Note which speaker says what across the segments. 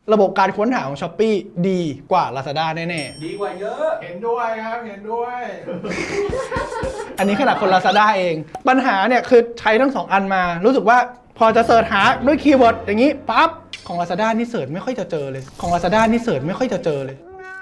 Speaker 1: ระบบการค้นหาของ Shopee ดีกว่า Lazada แน่
Speaker 2: ดีกว่าเยอะ
Speaker 3: เห็นด้วยครับเห็นด้วย
Speaker 1: ๆ อันนี้ขนาดคน Lazada เอง ปัญหาเนี่ยคือใช้ทั้ง2อันมา รู้สึกว่าพอจะเสิร์ชหาด้วยคีย์เวิร์ดอย่างนี้ปั๊บของ Lazada นี่เสิร์ชไม่ค่อยจะเจอเลยของ Lazada นี่เสิร์ชไม่ค่อยจะเจอเลย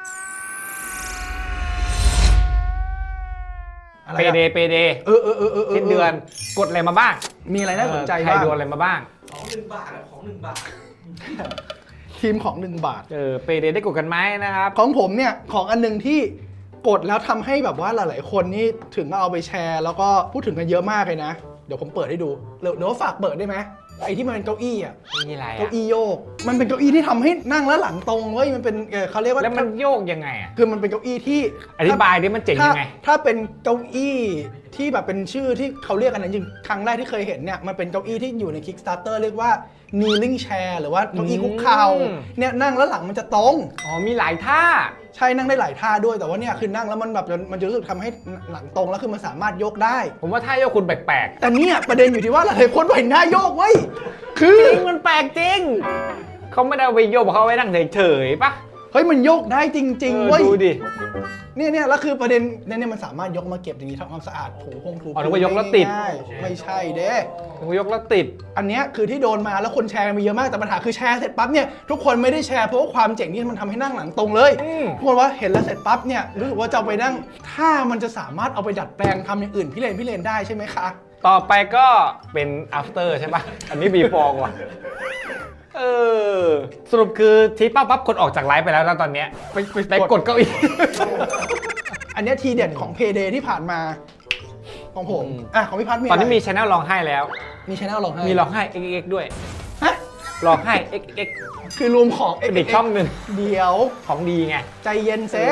Speaker 1: อะไร
Speaker 4: เป
Speaker 1: อะ
Speaker 4: เดสิ้นเดือนกดอะไรมาบ้าง
Speaker 1: มีอะไรน่าสนใจ
Speaker 4: ใคร
Speaker 1: บ้าง
Speaker 4: โดนอะไรมาบ้าง
Speaker 2: ของ1 บาทของ1 บาท
Speaker 1: ทีมของ1 บาท
Speaker 4: เปเดได้กดกันไหมนะครับ
Speaker 1: ของผมเนี่ยของอันหนึงที่กดแล้วทำให้แบบว่าหลายๆคนนี่ถึงเอาไปแชร์ แล้วก็พูดถึงกันเยอะมากเลยนะ เดี๋ยวผมเปิดให้ดูเดี๋ยวฝากเปิดได้ไหมไอ้ที่มันเป็นเก้าอี้อ่ะ
Speaker 4: นี่อะไร
Speaker 1: เก้าอี้โยกมันเป็นเก้าอี้ที่ทำให้นั่งแล้วหลังตรงเว้ยมันเป็นเขาเรียกว่า
Speaker 4: แล้วมันโยกยังไงอ่ะ
Speaker 1: คือมันเป็นเก้าอี้ที่
Speaker 4: อธิบายดิมันเจ๋งยังไง
Speaker 1: ถ้าเป็นเก้าอี้ที่แบบเป็นชื่อที่เขาเรียกกันนะจริงครั้งแรกที่เคยเห็นเนี่ยมันเป็นเก้าอี้ที่อยู่ใน Kickstarter เรียกว่า kneeling chair หรือว่าเก้าอี้คุกเข่าเนี่ยนั่งแล้วหลังมันจะตรง
Speaker 4: อ๋อมีหลายท่า
Speaker 1: ใช่นั่งได้หลายท่าด้วยแต่ว่าเนี่ยคือนั่งแล้วมันแบบมันจะรู้สึกทำให้หลังตรงแล้วคือมันสามารถยกได้
Speaker 4: ผมว่าท่าโยกคุณแปลก
Speaker 1: แต่เนี่ยประเด็นอยู่ที่ว่าหลายคนเห็นหน้าโยกเว้ยคือ
Speaker 4: ๆจริงมันแปลกจริงเขาไม่ได้เอาไปโยกเขาเอาไว้นั่งเฉยๆปะ
Speaker 1: เฮ้ยมันโยกได้จริงๆเว้ย
Speaker 4: ดูดิ
Speaker 1: เนี่ยแล้วคือประเด็นเนี่ยมันสามารถยกมาเก็บอย่างนี้ทำความสะอาดถูถู
Speaker 4: อ๋อนึกว่ายกแล้วติด
Speaker 1: ง่ายๆไม่ใช่เด้
Speaker 4: เขายกแล้วติด
Speaker 1: อันเนี้ยคือที่โดนมาแล้วคนแชร์กันไปเยอะมากแต่ปัญหาคือแชร์เสร็จปั๊บเนี่ยทุกคนไม่ได้แชร์เพราะว่าความเจ๋งที่มันทำให้นั่งหลังตรงเลย ทุกคนว่าเห็นแล้วเสร็จปั๊บเนี่ยรู้สึกว่าจะเอาไปนั่งถ้ามันจะสามารถเอาไปดัดแปลงทำอย่างอื่นพี่เลนได้ใช่ไหมคะ
Speaker 4: ต่อไปก็เป็น after ใช่ปะอันนี้ before ว่ะสรุปคือทีป้าปั๊บคนออกจากไลฟ์ไปแล้วนะตอนเนี้ยไปกดเก้าอี้
Speaker 1: อันเนี้ยทีเด็ดของ Payday ที่ผ่านมาของผมของพี่พัฒน์มี
Speaker 4: ตอนนี้มี
Speaker 1: ะไร
Speaker 4: channel ร้องไห้แล้ว
Speaker 1: มีชแนลลองให้
Speaker 4: มีร้องไห้ xx ด้วย
Speaker 1: ฮะ
Speaker 4: ร้องไห้ xx
Speaker 1: คือรวมของ
Speaker 4: เป็นอีกช่องหนึ่ง
Speaker 1: เดี๋ยว
Speaker 4: ของดีไง
Speaker 1: ใจเย็นเซ่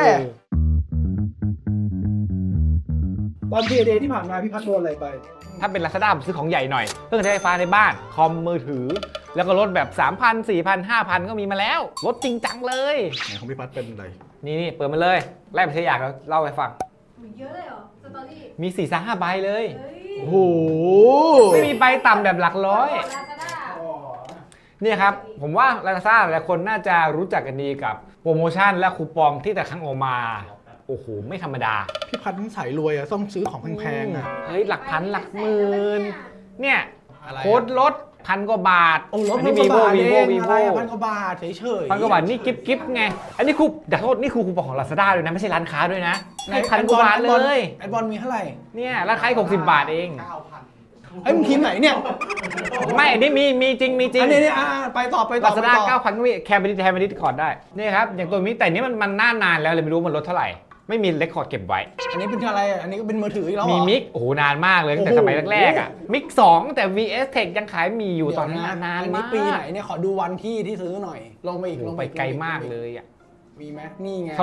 Speaker 1: ตอน Payday ที่ผ่านมาพี่พัฒน์โดนอะไรไป
Speaker 4: ถ้าเป็น Lazada ผมซื้อของใหญ่หน่อยเครื่องใช้ไฟฟ้าในบ้าน คอมมือถือ แล้วก็ลดแบบ 3,000 4,000 5,000 ก็มีมาแล้วลดจริงจังเลย
Speaker 1: ไหนของพี่พัฒน์เป็นอะไร
Speaker 4: นี่เปิดมาเลยแรกไปใช้อยากแล้วเล่าให้ฟัง
Speaker 5: เยอะเลยเหรอสตอรี่
Speaker 4: มี 4-5 ใบเลย
Speaker 5: เฮ้ย
Speaker 1: โอ้โห
Speaker 4: ไม่มีใบต่ำแบบหลักร้อย
Speaker 5: ลาซาด้า
Speaker 4: เนี่ยครับ ผมว่า Lazada หลายคนน่าจะรู้จักกันดีกับโปรโมชั่นและคูปองที่แต่ครั้งออกมา โอ้โห ไม่ธรรมดา
Speaker 1: พี่พัฒน์สายรวยอะต้องซื้อของแพงๆอะ
Speaker 4: เฮ้ย หลักพันหลักหมื่นเนี่ย
Speaker 1: อะไรอะ
Speaker 4: โค้ดลด1,000 กว่าบาท
Speaker 1: โอ้รถ
Speaker 4: อัน
Speaker 1: พัน
Speaker 4: นี้
Speaker 1: กว่าบาท
Speaker 4: วี
Speaker 1: เอ
Speaker 4: โว
Speaker 1: ง
Speaker 4: วี
Speaker 1: อะ
Speaker 4: โว
Speaker 1: ไรอะ1,000 กว่าบาทเฉยๆ
Speaker 4: 1,000 กว่าบาทนี่กิ๊บไง อันนี้นี่คือคูปองของ Lazada ด้วยนะ ไม่ใช่ร้านค้าด้วยนะให้1,000 กว่าบาทเลย
Speaker 1: ไอบอลมีเท่าไหร่
Speaker 4: เนี่ยร้านค้า60 บาทเอง
Speaker 1: ไอ้ยมึงทีมไหนเนี่ย
Speaker 4: ไม่อันนี้มีจริงมีจริง
Speaker 1: อันนี้เนี่ยไปต่อ
Speaker 4: Lazada 9,000 ก็มีแคมเปญแทนไปนิดก่อนได้นี่ครับอย่างตัวนี้แต่นี้มันหน้านานแล้วเลยไม่รู้มันลดเท่าไหร่ไม่มีเรคคอร์ดเก็บไว้
Speaker 1: อันนี้เป็นอะไรอะอันนี้ก็เป็นมือถืออีกแล้วเหรอ
Speaker 4: มีมิกโอ้โหนานมากเลยตั้งแต่
Speaker 1: โอ้
Speaker 4: ส
Speaker 1: โห
Speaker 4: มัยแรกๆอ่ะมิก2แต่ VS Tech ยังขายมีอยู่ตอนนั้นนาน
Speaker 1: อัน
Speaker 4: มา
Speaker 1: นี้
Speaker 4: ก
Speaker 1: ปีไหนเนี่ยขอดูวันที่ซื้อหน่อย ลงไปอีก
Speaker 4: ลงไปไกลมากเลยอ่ะ
Speaker 1: มีไหมนี่ไง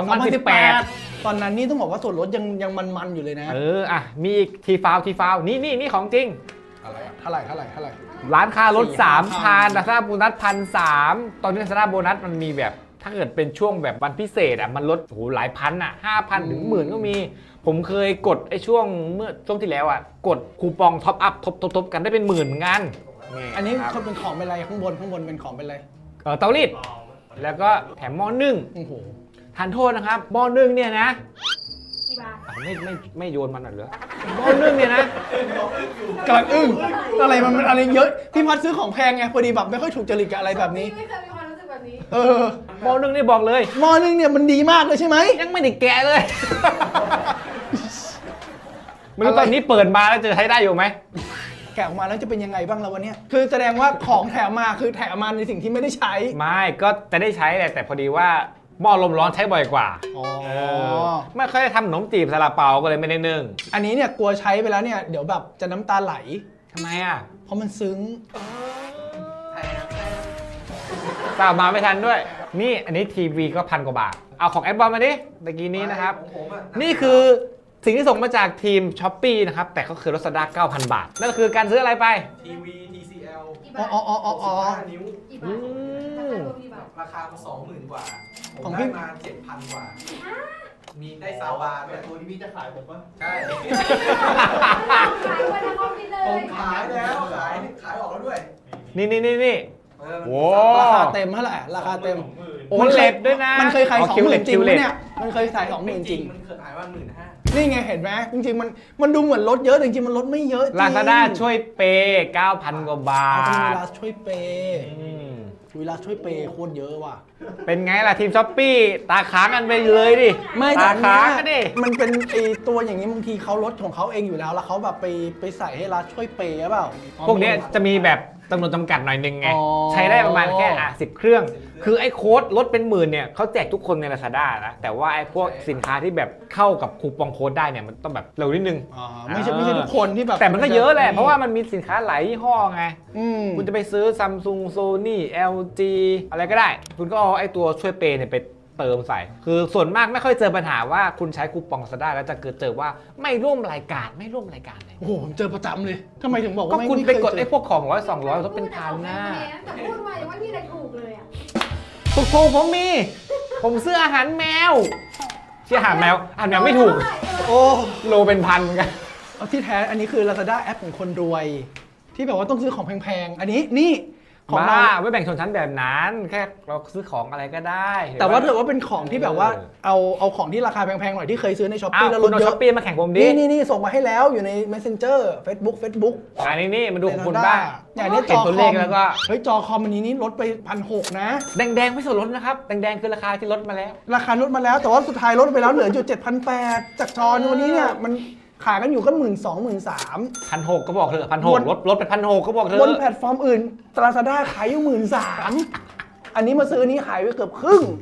Speaker 4: 2018
Speaker 1: ตอนนั้นนี่ต้องบอกว่าส่วนลดยังมันๆอยู่เลยนะ
Speaker 4: อ่ะมีอีกทีฟาวนี่ของจริง
Speaker 1: อะไรอะเท่าไหร่
Speaker 4: ร้านค้าลด
Speaker 1: 4,000
Speaker 4: 3,000 Lazada โบนัส 1,300 ตอนนี้ Lazada โบนัสมันมีแบบถ้าเกิดเป็นช่วงแบบวันพิเศษอ่ะมันลดโอ้โหหลายพันอ่ะ 5,000 ถึง 10,000 ก็มี ผมเคยกดไอ้ช่วงที่แล้วอ่ะกดคูปองท็อปอัพทบกันได้เป็นหมื่นเหมือนกัน
Speaker 1: อันนี้
Speaker 4: ครับ
Speaker 1: เขาเป็นของเป็นอะไรข้างบนเป็นของเป็นอะไร
Speaker 4: เตารีดแล้วก็แถมหม้อนึ่ง
Speaker 1: โอ้โห
Speaker 4: ทานโทษนะครับหม้อนึ่งเนี่ยนะ
Speaker 5: กี่บาท
Speaker 4: ไม่โยนมันหน่อยเหรอหม้อนึ่งเนี่ยนะ
Speaker 1: กำลังอึ้งอะไรมันอะไรเยอะพี่พัดซื้อของแพงไงพอดีแบบไม่ค่อยถูกจริตกับอะไรแบบนี้
Speaker 5: ไม่เคยมีความรู้สึกแบบนี้
Speaker 4: หม้อนึ่งนี่บอกเลย
Speaker 1: หม้อนึงเนี่ยมันดีมากเลยใช่ไหม
Speaker 4: ยังไม่ได้แกะเลย ไม่รู้ตอนนี้เปิดมาแล้วจะใช้ได้อยู่ไหม
Speaker 1: แกะออกมาแล้วจะเป็นยังไงบ้างแล้ววันนี้คือแสดงว่าของแถมมาคือแถมมาในสิ่งที่ไม่ได้ใช้
Speaker 4: ไม่ก็จะได้ใช้แหละแต่พอดีว่าหม้อลมร้อนใช้บ่อยกว่า
Speaker 1: อ๋อ
Speaker 4: ไม่ค่อยได้ทำขนมจีบซาลาเปาก็เลยไม่ได้นึ่ง
Speaker 1: อันนี้เนี่ยกลัวใช้ไปแล้วเนี่ยเดี๋ยวแบบจะน้ำตาไหล
Speaker 4: ทำไมอ่ะ
Speaker 1: เพราะมันซึ้ง
Speaker 4: สาวมาไม่ทันด้วย นี่อันนี้ทีวีก็1,000 กว่าบาท เอาของแอดบอลมาดิเมื่อกี้นี้นะครับ
Speaker 2: ของผมอะ
Speaker 4: นี่คือสิ่งที่ส่งมาจากทีม Shopee นะครับ แต่ก็คือ Lazada 9,000 บาท นั่นก็คือการซื้ออะไรไป
Speaker 2: ทีวี TCL
Speaker 5: กี่
Speaker 1: อ๋
Speaker 5: บา
Speaker 1: อ
Speaker 5: ท
Speaker 2: 65 นิ้ว
Speaker 5: กี่บาทราคารวมกี่บาท
Speaker 2: ราคามัน20,000 กว่า ผ
Speaker 1: ขอ
Speaker 2: ม
Speaker 1: งพี่
Speaker 2: ได้มา 7,000 กว่า มีได้ซาวบาร์ด้วย
Speaker 3: ตัวนี้พี่จะขายผมปะ
Speaker 2: ใช่
Speaker 5: ขายวันละครบไปเล
Speaker 2: ผ
Speaker 5: ย
Speaker 2: มขายแล้วขายออกแล้วด้วย
Speaker 4: นี่
Speaker 2: มัน
Speaker 4: โอ้
Speaker 1: ราคาเต็มเท่าไหร่ราคาเต็ม
Speaker 4: โอ้มันเลทด้วยนะ
Speaker 1: มันเคยขาย
Speaker 4: อ๋อ
Speaker 1: 20,000 จริง
Speaker 4: คิว
Speaker 1: ไห
Speaker 4: เล
Speaker 1: ม
Speaker 4: ท
Speaker 1: เนี่ยมันเคยขาย20,000 จริง
Speaker 2: มันเคยขายว่า15,000
Speaker 1: นี่ไงเห็นไหมจริงๆมันดูเหมือนลดเยอะแต่จริงๆมันลดไม่เยอะจริง
Speaker 4: ลาซาด้าช่วยเปย์9,000 กว่าบา
Speaker 1: เอาเป็นเว
Speaker 4: ท
Speaker 1: ลาช่วยเปย์
Speaker 4: อืม
Speaker 1: เวลาช่วยเปย์โคตรเยอะว่ะ
Speaker 4: เป็นไงล่ะทีมช้อปปี้ตาค้างกันไปเลยดิ
Speaker 1: ไม่
Speaker 4: ตา
Speaker 1: แต่
Speaker 4: ค้าง
Speaker 1: อั
Speaker 4: กัน
Speaker 1: น
Speaker 4: ดิ
Speaker 1: เนี้ยมันเป็นไอตัวอย่างนี้บางทีเขาลดของเขาเองอยู่แล้วแล้วเขาแบบไปใส่ให้รัฐช่วยเปย์หรือเปล่า
Speaker 4: พวกเนี้ยจะมีแบบจำนวนจำกัดหน่อยนึงไง
Speaker 1: อ๋อ
Speaker 4: ใช้ได้ประมาณแค่10 เครื่อง คือไอ้โค้ดลดเป็นหมื่นเนี่ยเขาแจกทุกคนใน Lazada นะ แต่ว่าไอ้พวกสินค้าที่แบบเข้ากับคูปองโค้ดได้เนี่ยมันต้องแบบเร็วนิดนึง
Speaker 1: อ๋อไม่ใช่ทุกคนที่แบบ
Speaker 4: แต่มันก็เยอะแหละ เพราะว่ามันมีสินค้าหลายยี่ห้อไง
Speaker 1: อืม
Speaker 4: คุณจะไปซื้อ Samsung Sony LG อะไรก็ได้ คุณก็เอาไอ้ตัวช่วยเปย์เนี่ยไปเติมใส่ คือส่วนมากไม่ค่อยเจอปัญหาว่าคุณใช้คูปอง Lazada แล้วจะเจอว่าไม่ร่วมรายการเลย
Speaker 1: โอ้โหผมเจอประจำเลยทำไมถึงบอก
Speaker 4: ก็
Speaker 1: ว่า
Speaker 4: คุณ
Speaker 1: ม่
Speaker 4: ไป
Speaker 1: เคย
Speaker 4: กด
Speaker 1: เจ
Speaker 4: ไอ้พวกของ100 200ลดเป็นพันนะ
Speaker 5: แต่พูดมายังไม่มีอะไรถูกเลยอ่ะ
Speaker 4: ถูกผมมี ผมซื้ออาหารแมวชื่ออาหารแมวไม่ถูก
Speaker 1: โอ้
Speaker 4: โลเป็นพันเหมือนกัน
Speaker 1: เอาที่แท้อันนี้คือ Lazada แอปของคนรวย ที่แบบว่าต้องซื้อของแพงๆ อันนี้นี่ของเรา
Speaker 4: บ้าไม่แบ่งชนชั้นแบบนั้น แค่เราซื้อของอะไรก็ได้
Speaker 1: แต่ว่าถือว่าเป็นของที่แบบว่าเอาของที่ราคาแพงๆหน่อยที่เคยซื้อในช้อป
Speaker 4: อ้า
Speaker 1: ปี้
Speaker 4: ว
Speaker 1: แล้วล
Speaker 4: คุณ
Speaker 1: ด
Speaker 4: เอา
Speaker 1: เย
Speaker 4: ช้อ
Speaker 1: อะ
Speaker 4: ปปี้มาแข่งผมดิ
Speaker 1: นี่ส่งมาให้แล้วอยู่ใน Messenger Facebook
Speaker 4: อันนี้นี่มาดูของคุณบ้าง
Speaker 1: อย่างนี้จ
Speaker 4: เห็น
Speaker 1: อ
Speaker 4: ตัว
Speaker 1: ค
Speaker 4: เล
Speaker 1: อ
Speaker 4: ข
Speaker 1: ม
Speaker 4: แล้วก็
Speaker 1: เฮ้ยจอคอมอันนี้นี่ลดไป1,600 นะ
Speaker 4: แดงๆไม่ส่วนลดนะครับ แดงๆคือราคาที่ลดมาแล้ว
Speaker 1: ราคาลดมาแล้วแต่ว่าสุดท้ายลดไปแล้วเหลืออยู่7,800 จากจอวันนี้เนี่ยมันขายกันอยู่ก็12,000 13,000
Speaker 4: 1,600ก็บอกเถอะ1,600ลดไป1,600ก็บอกเถ
Speaker 1: บน
Speaker 4: อะ
Speaker 1: แพลตฟอร์มอื่น Lazada ขายอยู่13,000 อันนี้มาซื้อนี้ขายไปเกือบครึ่ง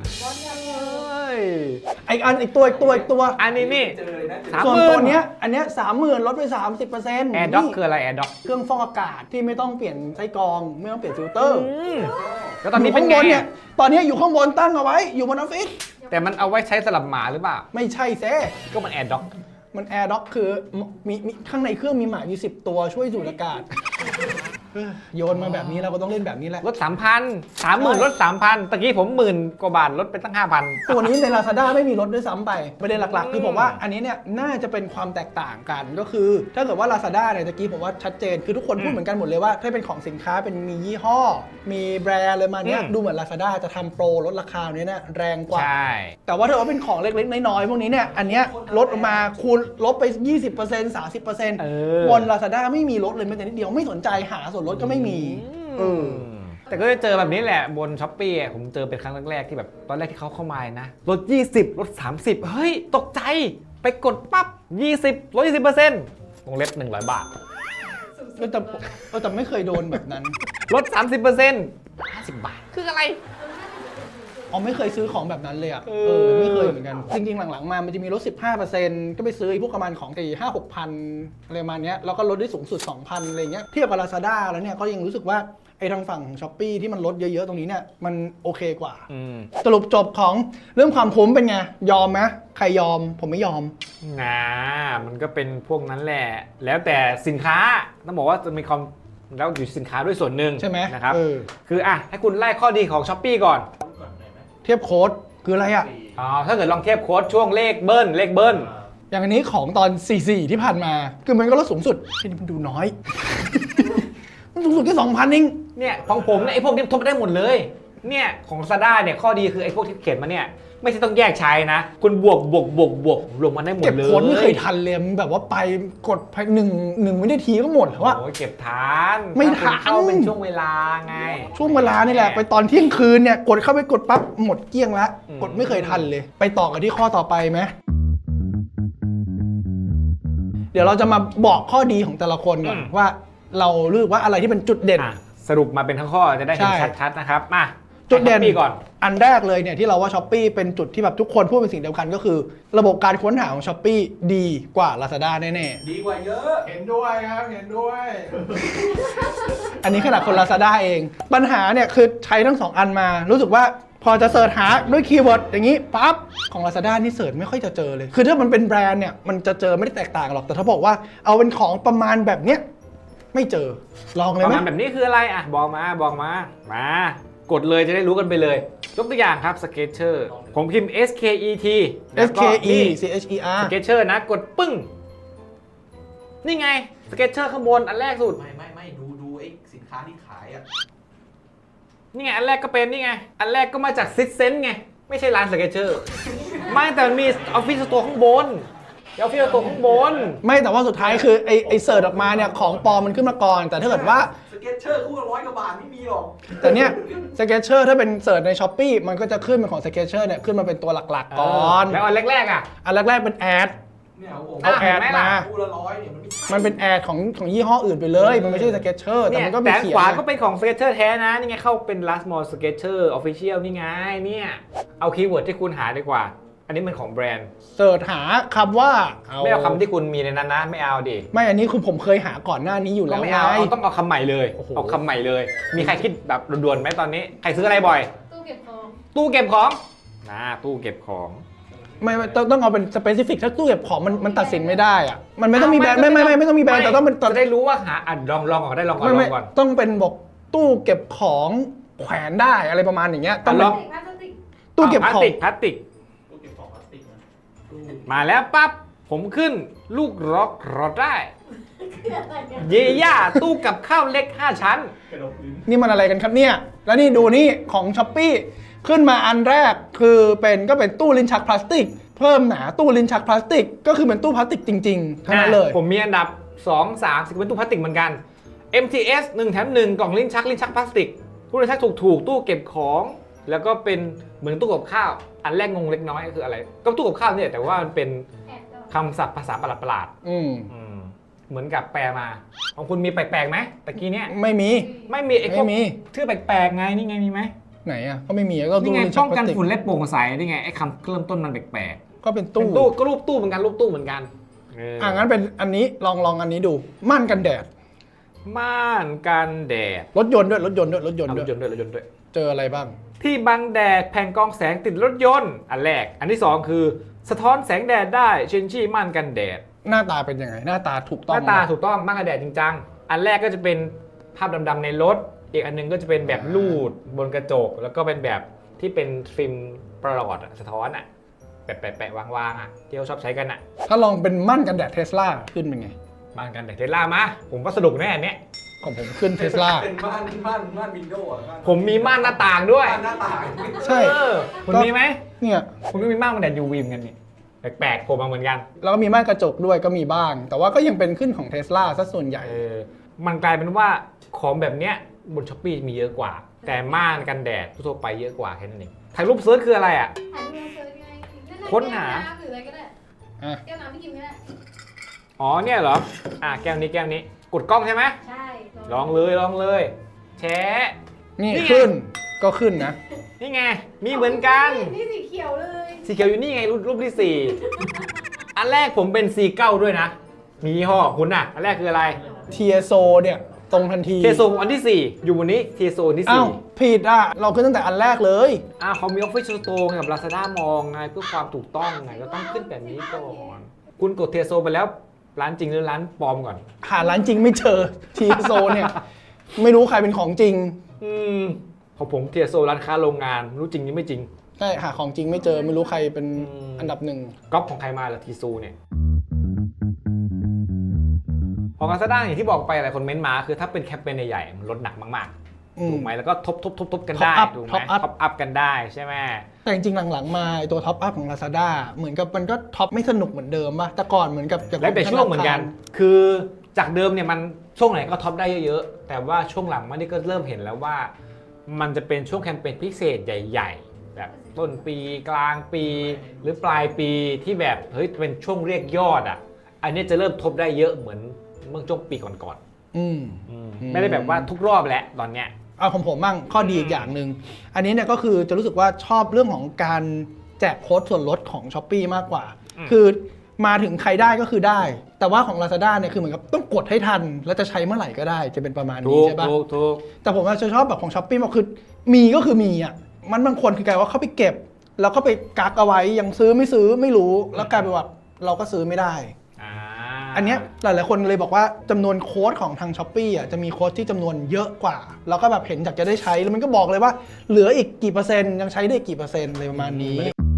Speaker 1: อีกตัว
Speaker 4: อันนี้นี่
Speaker 2: เจอเลยนะเจอ
Speaker 4: 30,000
Speaker 1: ส่วนตัวเนี้ยอันเนี้ย30,000ลดไป 30%
Speaker 4: แอร์ด็อกคืออะไรแอร์ด็อก
Speaker 1: เครื่องฟอกอากาศที่ไม่ต้องเปลี่ยนไส้กรองไม่ต้องเปลี่ยนฟิลเตอร์
Speaker 4: แล้วตอนนี้เป็น
Speaker 1: ยู่
Speaker 4: ไง
Speaker 1: ข้างบนเนี่ยตอนนี้อยู่ข้างบนตั้งเอาไว้อยู่บนออฟฟิศ
Speaker 4: แต่มันเอาไว้ใช้สลับหมาหรือเปล่า
Speaker 1: ไม่ใช่เซ
Speaker 4: ก็มันแอร์ด็อก
Speaker 1: มันแอร์ด็อกคือมีข้างในเครื่องมีหมาอยู่10 ตัวช่วยสูดอากาศโยนมาแบบนี้เราก็ต้องเล่นแบบนี้แหละ
Speaker 4: ลด 3,000 30,000ลด 3,000ตะกี้ผม10,000 กว่าบาทลดไปตั้ง 5,000
Speaker 1: ตัวนี้ใน Lazada ไม่มีลดด้วยซ้ำไปประเด็นหลักๆ คือผมว่าอันนี้เนี่ยน่าจะเป็นความแตกต่างกันก็คือ ถ้าเกิดว่า Lazada เนี่ยตะกี้ผมว่าชัดเจนคือทุกคนพูดเหมือนกันหมดเลยว่าถ้าเป็นของสินค้าเป็นมียี่ห้อ มีแบรนด์อะไรมาเนี้ยดูเหมือน Lazada จะทำโปรลดราคาเนี้ยนะแรงกว่า
Speaker 4: ใช่
Speaker 1: แต่ว่าถ้าว่าเป็นของเล็กๆน้อยๆพวกนี้เนี่ยอันเนี้ยลดออกมาคูณลบไป 20% 30% บน Lazada ไม่มีลดเลยแม้แต่นิดเดียวไม่สนใจหาส่วนลดก็ไม่มี
Speaker 4: แต่ก็จะเจอแบบนี้แหละบนช้อปปี้ผมเจอเป็นครั้งแรกๆที่แบบตอนแรกที่เขาเข้ามานะลด 20 ลด 30 เฮ้ย ตกใจไปกดปั๊บ 20 ลด 20%วงเล็บ 100 บาท
Speaker 1: แต่ไม่เคยโดนแบบนั้น
Speaker 4: ลด 30% 50 บาท คืออะไร
Speaker 1: อ๋อไม่เคยซื้อของแบบนั้นเลยอ่ะ
Speaker 4: เออ
Speaker 1: ไม่เคยเหมือนกัน จริงๆ หลังๆ มามันจะมีลด 15%ก็ไปซื้อไอ้พวกประมาณของตี5-6 พันอะไรประมาณเนี้ยแล้วก็ลดได้สูงสุด 2,000 อะไรเงี้ยเทียบกับ Lazada แล้วเนี่ยก็ยังรู้สึกว่าไอ้ทางฝั่งของ Shopee ที่มันลดเยอะๆ ตรงนี้เนี่ยมันโอเคกว่า สรุปจบของเรื่องความคุ้มเป็นไง ยอมไหมใครยอมผมไม่ยอม
Speaker 4: มันก็เป็นพวกนั้นแหละ แล้วแต่สินค้าต้องบอกว่าจะมีความแล้วอยู่สินค้าด้วยส่วนหนึ่ง
Speaker 1: ใช่ไหม
Speaker 4: นะครับ
Speaker 1: เออ
Speaker 4: คือให้คุณไล่ข้อดีของ Shopee ก่อน
Speaker 1: เทียบโค้ดคืออะไรอ่ะ
Speaker 4: ถ้าเกิดลองเทียบโค้ดช่วงเลขเบิ้ล
Speaker 1: อย่างอันนี้ของตอน 44 ที่ผ่านมา คือมันก็ลดสูงสุดที่นี่มันดูน้อย มันสูงสุดแค่ 2,000 เอง
Speaker 4: เนี่ยของผมเนี่ยไอ้พวกนี้ทบได้หมดเลย เนี่ยของ Lazada เนี่ยข้อดีคือไอ้พวกที่เขียนมาเนี่ยไม่ใช่ต้องแยกใช้นะ คุณบวกรวมมันได้หมด
Speaker 1: เก็บ
Speaker 4: เลย
Speaker 1: โค้ดไม่เคยทันเลยมันแบบว่าไปกดหนึ่งวินาทีก็หมดแล้วอะ
Speaker 4: โอ้ยเก็บทัน
Speaker 1: ไม่
Speaker 4: ถ้าคุณ
Speaker 1: ทัน
Speaker 4: เข้าเป็นช่วงเวลาไง
Speaker 1: ช่วงเวลานี่แหละไปตอนเที่ยงคืนเนี่ยกดเข้าไปกดปั๊บหมดเกลี้ยงแล้ว
Speaker 4: อืม
Speaker 1: กดไม่เคยทันเลย ไปต่อกันที่ข้อต่อไปไหมเดี๋ยวเราจะมาบอกข้อดีของแต่ละคนก่อนว่าเราเลือกว่าอะไรที่เป็นจุดเด่น
Speaker 4: สรุปมาเป็นทั้งข้อจะได้เห็น
Speaker 1: ใช่
Speaker 4: ชัดๆนะครับมา
Speaker 1: จุดเด่น
Speaker 4: Shopee ก่อน
Speaker 1: อันแรกเลยเนี่ยที่เราว่า Shopee เป็นจุดที่แบบทุกคนพูดเป็นสิ่งเดียวกันก็คือ ระบบการค้นหาของ Shopee ดีกว่า Lazada แน่
Speaker 2: ดีกว่าเยอะ
Speaker 3: เห็นด้วยครับเห็นด้วย
Speaker 1: ๆ อันนี้ขนาดคน Lazada เอง ปัญหาเนี่ยคือใช้ทั้ง 2 อันมา รู้สึกว่าพอจะเสิร์ชหาด้วยคีย์เวิร์ดอย่างนี้ปั๊บของ Lazada นี่เสิร์ชไม่ค่อยจะเจอเลย คือถ้ามันเป็นแบรนด์เนี่ยมันจะเจอไม่ได้แตกต่างหรอกแต่ถ้าบอกว่าเอาเป็นของประมาณแบบเนี้ยไม่เจอลองเลย
Speaker 4: ประ
Speaker 1: ไหม
Speaker 4: มาณแบบนี้คืออะไรบอกมากดเลยจะได้รู้กันไปเลยยกตัวอย่างครับ Skechers ผมพิมพ์ SKET
Speaker 1: SKE CHER
Speaker 4: Skechers นะกดปึ้ง นี่ไง Skechers ข้างบนอันแรกสุด
Speaker 2: ไม่ดูไอ้สินค้าที่ขายอ่ะ
Speaker 4: นี่ไงอันแรกก็เป็นนี่ไงอันแรกก็มาจากซิสเซนไงไม่ใช่ร้านสเก็ตเชอร์ไม่แต่มันมีออฟฟิศสโตร์ข้างบนออฟฟิศสโตร์ข้างบน
Speaker 1: ไม่แต่ว่าสุดท้ายคือไอเสิร์ชออกมาเนี่ยของปลอมมันขึ้นมาก่อน แต่ถ้าเกิดว่า
Speaker 2: สเก็ตเชอร์คู่ละ100 กว่าบาทไม่มีหรอก
Speaker 1: แต่เนี่ยสเก็ตเชอร์ถ้าเป็นเสิร์ชในช้อปปี้มันก็จะขึ้นเป็นของสเก็ตเชอร์เนี่ยขึ้นมาเป็นตัวหลักๆก่อน
Speaker 4: แล้วอันแรกๆอ่ะ
Speaker 1: อันแรกๆเป็นแอด
Speaker 2: เนี่ยผม
Speaker 1: เอาแอด
Speaker 4: เห็นไหม
Speaker 1: มา
Speaker 4: ล่ะ
Speaker 2: คู่ละ100เนี่ยมันไม่ใช่
Speaker 1: มันเป็นแอดของยี่ห้ออื่นไปเลย มันไม่ใช่สเก็ตเชอร์แต่
Speaker 4: เนี่ย
Speaker 1: มันก็มี
Speaker 4: แต่
Speaker 1: เขียน
Speaker 4: ขวา
Speaker 1: นะ
Speaker 4: ก็เป็นของสเก็ตเชอร์แท้นะนี่ไงเข้าเป็น last mall sketcher official นี่ไงเนี่ยเอาคีย์เวิร์ดที่คุณหาดีกว่า อันนี้มันของแบรนด์
Speaker 1: เสิร์ชหาคำว่า
Speaker 4: ไม่เอาคำที่คุณมีในนั้นนะไม่เอาดิ
Speaker 1: ไม่อันนี้คือผมเคยหาก่อนหน้านี้อยู่
Speaker 4: ก็
Speaker 1: แล้ว
Speaker 4: ไม่
Speaker 1: ไง
Speaker 4: เอาต้องเอาคำใหม่เลย
Speaker 1: โอ้โห
Speaker 4: เอาคำใหม่เลย มีใครคิดแบบด่วนๆไหมตอนนี้ใครซื้ออะไรบ่อย
Speaker 5: ตู้เก็บของ
Speaker 4: ตู้เก็บของตู้เก็บของ
Speaker 1: ไม่ต้องเอาเป็นสเปซิฟิกถ้าตู้เก็บของมันตัดสินไม่ได้อะมันไม่ต้องมีแบรนด์ไม่ต้องมีแบรนด์แต่ต้องเป็น
Speaker 4: จะได้รู้ว่าหาลองก่อนได้ลองก่อนล
Speaker 1: ไม่
Speaker 4: องก่อน
Speaker 1: ต้องเป็นบอกตู้เก็บของแขวนได้อะไรประมาณอย่างเงี้ยต้อง
Speaker 4: ล
Speaker 1: เป็น
Speaker 4: อง
Speaker 5: พลาสติก
Speaker 1: ตู้เก็บของ
Speaker 4: พลาสติก
Speaker 3: ตู้เก็บของพลาสติกนะ
Speaker 4: มาแล้วปั๊บผมขึ้นลูกร็อกรอได้
Speaker 5: คืออะไรเนี่ย
Speaker 4: เย่าตู้กับข้าวเล็ก 5 ชั้น
Speaker 3: กระดกลิ้น
Speaker 1: นี่มันอะไรกันครับเนี่ยแล้วนี่ดูนี่ของช้อปปี้ขึ้นมาอันแรกคือก็เป็นตู้ลิ้นชักพลาสติก เพิ่มหนาตู้ลิ้นชักพลาสติก ก็คือเป็นตู้พลาสติกจริงๆเท่านั้นเลย
Speaker 4: ผมมีอันดับ 2 3สิเป็นตู้พลาสติกเหมือนกัน MTS 1 แถม 1 กล่องลิ้นชักพลาสติกตู้ลิ้นชักถูกตู้เก็บของ แล้วก็เป็นเหมือนตู้กับข้าว อันแรกงงเล็กน้อยก็คืออะไร ก็ตู้กับข้าวเนี่ยแต่ว่ามันเป็น
Speaker 5: แอบด้วย
Speaker 4: คำศัพท์ภาษาประหลาด
Speaker 1: อืม
Speaker 4: ๆเหมือนกับแปลมา ของคุณมีแปลกๆไหมตะกี้เนี่ย
Speaker 1: ไม่มี
Speaker 4: ไม่มีไอ้พวก
Speaker 1: ไม่มี
Speaker 4: ชื่อแปลกๆไงนี่ไงมีไหม
Speaker 1: ไหนอ่ะก็ไม่มีก็
Speaker 4: นี่
Speaker 1: ตู้
Speaker 4: ไง
Speaker 1: ลิ้นชั
Speaker 4: ป้
Speaker 1: ก
Speaker 4: อง
Speaker 1: พลา
Speaker 4: กัน
Speaker 1: สติก
Speaker 4: ฝุ่นและโปร่งใสนี่ไงไอ้คำเริ่มต้นมันแปลก
Speaker 1: ก็เป็น
Speaker 4: ๆ
Speaker 1: ตู้
Speaker 4: ก็รูปตู้เหมือนกันรูปตู้เหมือนกัน
Speaker 1: งั้นเป็นอันนี้ลองอันนี้ดูม่านกันแดด
Speaker 4: ม่านกันแดด
Speaker 1: รถยนต์ด้วยรถยนต์ด้วย
Speaker 4: เอารถยนต์ด้วย
Speaker 1: เจออะไรบ้าง
Speaker 4: ที่บังแดดแผ่นกรองแสงติดรถยนต์อันแรก อันที่สองคือสะท้อนแสงแดดได้เชนชี่ม่านกันแดด
Speaker 1: หน้าตาเป็นยังไงหน้าตาถูก
Speaker 4: ห
Speaker 1: ต้อง
Speaker 4: น้าตา
Speaker 1: ไหม
Speaker 4: ถูกต้องม่านกันแดดจริงจังอันแรกก็จะเป็นภาพดำๆในรถ อีกอันหนึงก็จะเป็นแบบลูดบนกระจก แล้วก็เป็นแบบที่เป็นฟิล์มประหลอดอะสะท้อนอะแปะๆวางๆอะที่เขาชอบใช้กันอะ
Speaker 1: ถ้าลองเป็นม่านกันแดดเทสลาขึ้นเป็นไง
Speaker 4: ม่านกันแดดเทสลามาผมว่าสนุกแน่อันเนี้ย
Speaker 1: ของผมขึ้นเทสลา
Speaker 2: เป็นม่านวินโดว์อะ
Speaker 4: ผมมีม่านหน้าต่างด้วย
Speaker 2: ม่านหน้าต่าง
Speaker 1: ใช่
Speaker 4: เออคุณมีไหม
Speaker 1: เนี่ย
Speaker 4: คุณก็มีม่านกันแดด UV เหมือนกันนี่แปลกๆผมมาเหมือนกัน
Speaker 1: แล้วก็มีม่านกระจกด้วยก็มีบ้าง แต่ว่าก็ยังเป็นขึ้นของเทสลาซะส่วนใหญ่
Speaker 4: มันกลายเป็นว่าของแบบเนี้ยบนช้อปปี้มีเยอะกว่า แต่ม่านกันแดดทั่วไปเยอะกว่าแค่นั้นเองถ่ายรูปเซิร์ชคืออะไรอ่ะ
Speaker 5: ถ่ายรูปเซิร์ชไงนั่นแหละ
Speaker 4: ค้นหา
Speaker 5: แก้วน้ำหรืออะไรก็ได้
Speaker 1: อ่ะ
Speaker 5: แก้วน้ำพี่กินก็ได้
Speaker 4: อ๋อเนี่ยเหรอแก้วนี้กดกล้องใช่ไหม
Speaker 5: ใช่
Speaker 4: ลองเลยแชะ
Speaker 1: นี่
Speaker 4: นี่ไง
Speaker 1: ขึ้นก็ขึ้นนะ
Speaker 4: นี่ไงมีเหมือนกัน
Speaker 5: นี่สีเขียวเลย
Speaker 4: สีเขียวอยู่นี่ไงรูปที่ 4 อันแรกผมเป็น C9 ด้วยนะ มียี่ห้อคุณอ่ะอันแรกคืออะไร
Speaker 1: เทียโซเนี่ยตรงทันที
Speaker 4: เทโซอันที่ 4 อยู่บนนี้เทโซอันที่
Speaker 1: อ้าวผิดอ่ะ เราขึ้นตั้งแต่อันแรกเลย
Speaker 4: 4เขามี Office Store กับ Lazada มองไงเพื่อความถูกต้องไงก็ต้องขึ้นแบบนี้ก่อน คุณกดเทโซไปแล้วร้านจริงหรือร้านปลอมก่อน
Speaker 1: หาร้านจริงไม่เจอเทียโซเนี่ย ไม่รู้ใครเป็นของจริง
Speaker 4: ของผมเทียโซร้านค้าโรงงานรู้จริงนี่ไม่จริง
Speaker 1: ใช่หาของจริงไม่เจอไม่รู้ใครเป็นอันดับหนึ่ง
Speaker 4: ก๊อปของใครมาล่ะทีซูเนี่ยของ Lazada อย่างที่บอกไปหลายคนเม้นต์มาคือถ้าเป็นแคมเปญใหญ่ๆมันลดหนักมากๆถูกไหมแล้วก็ทบกันได้
Speaker 1: Top up
Speaker 4: ถูกไหม
Speaker 1: Top up
Speaker 4: ท็อปอัพกันได้ใช่ไหม
Speaker 1: แต่จริงๆหลังๆมาไอ้ตัวท็อปอัพของ Lazada เหมือนกับมันก็ท็อปไม่สนุกเหมือนเดิมป่ะแต่ก่อนเหมือนกับ
Speaker 4: แล้วแต่ช่วงเหมือนกัน คือจากเดิมเนี่ยมันช่วงไหนก็ท็อปได้เยอะๆแต่ว่าช่วงหลังมันนี่ก็เริ่มเห็นแล้วว่า มันจะเป็นช่วงแคมเปญพิเศษใหญ่ๆแบบต้นปีกลางปีหรือปลายปีที่แบบเฮ้ยเป็นช่วงเรียกยอดอ่ะอันนี้จะเริ่มทบได้เยอะเหมือนเมื่อช่วงปีก่อน
Speaker 1: อืม
Speaker 4: ๆไม่ได้แบบว่าทุกรอบแล้วตอนเนี้ย
Speaker 1: เอาของผมบ้างข้อดีอีกอย่างหนึ่งอันนี้เนี่ยก็คือจะรู้สึกว่าชอบเรื่องของการแจกโค้ดส่วนลดของ s h อ p e e มากกว่า คือมาถึงใครได้ก็คือได้ แต่ว่าของ Lazada เนี่ยคือเหมือนกับต้องกดให้ทัน แล้วจะใช้เมื่อไหร่ก็ได้จะเป็นประมาณนี้ใช่ปะ
Speaker 4: ถูก
Speaker 1: แต่ผมจะชอบแบบของ s h อ p e e มากคือมีก็คือมีอ่ะมันบางคนคือกลายว่าเขาไปเก็บ แล้วก็ไปกักเอาไว้ยังซื้อไม่รู้แล้วกลายเป็นว่าเราก็ซื้อไม่ได้ อันเนี้ยหลายๆคนเลยบอกว่าจำนวนโค้ดของทาง s h อ p e e อ่ะจะมีโค้ดที่จำนวนเยอะกว่า แล้วก็แบบเห็นจากจะได้ใช้แล้วมันก็บอกเลยว่าเหลืออีกกี่เปอร์เซ็นต์ยังใช้ได้กี่เปอร์เซ็นต์อะไรประมาณนี้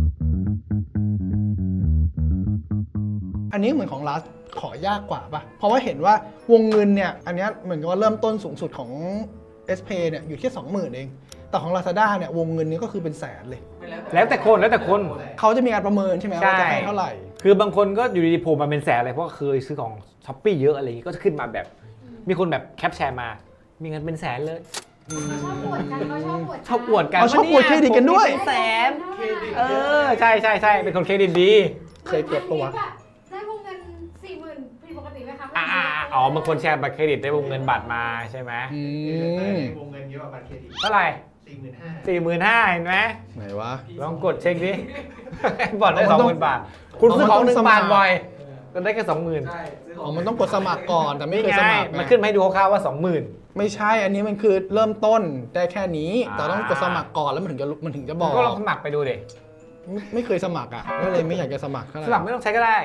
Speaker 1: อันนี้เหมือนของรัสขอยากกว่าป่ะเพราะว่าเห็นว่าวงเงินเนี่ยอันเนี้ยเหมือนกับว่าเริ่มต้นสูงสุดของ S Pay เนี่ยอยู่ที่ 20,000 เองแต่ของ Lazada เนี่ยวงเงินนี้ก็คือเป็นแสนเลย
Speaker 4: แล้วแต่คน
Speaker 1: เขาจะมีการประเมินใช่ไหม
Speaker 4: ใช่
Speaker 1: ว่าจะให้เท่าไหร่
Speaker 4: คือบางคนก็อยู่ดีๆโผล่มาเป็นแสนเลยเพราะว่าเคยซื้อของช้อปปี้เยอะอะไรอย่างงี้ก็จะขึ้นมาแบบ มีคนแบบแคปแชร์มา มีเงินเป็นแสนเลย
Speaker 5: ชอบอวดกันเขาชอบอวด
Speaker 4: ชอบอวดกัน
Speaker 1: เขาชอบอวดเครดิตกันด้วย
Speaker 4: ผมมีเป็นแสน ใช่เป็นคนเครดิตดี
Speaker 1: เคยกดปะวะ
Speaker 5: ได้วงเงิน40,000ผิดปกติไหมคะ
Speaker 4: อ๋อบางคนแชร์บัตรเครดิตได้วงเงินบัตรมาใช่ไหม
Speaker 1: อืม
Speaker 2: วงเงินเยอะกว่าบัตรเครดิต
Speaker 4: เท่าไหร่
Speaker 2: 45,000
Speaker 4: 45,000เห็นไหม
Speaker 1: ไหนวะ
Speaker 4: ลองกดเช็คดิ บอดได้
Speaker 1: มันต้อง
Speaker 4: 20,000 บาท คุณซื้อของ
Speaker 1: มันต้อง
Speaker 4: 1 บาท
Speaker 1: สมัคร
Speaker 4: บ่อย ก็ได้แค่20,000
Speaker 2: ใช่ซื้อข
Speaker 1: อ๋
Speaker 2: อ
Speaker 1: อง มันต้องกดสมัครก่อนแต่ไม่เคย
Speaker 4: นี่
Speaker 1: ส
Speaker 4: ไง
Speaker 1: มัคร
Speaker 4: มันขึ้นมาให้ดูคร่าวๆว่า 20,000
Speaker 1: ไม่ใช่อันนี้มันคือเริ่มต้นได้แค่นี้
Speaker 4: อ่า
Speaker 1: แต่ต้องกดสมัครก่อนแล้วมันถึงจะบอก
Speaker 4: ก็ลองสมัครไปดูดิ
Speaker 1: ไม่เคยสมัครอ่ะก็เลยไม่อยากจะสมัครเท่าไห
Speaker 4: สมัคร
Speaker 1: ร่
Speaker 4: ไม่ต้องใช้ก็ได้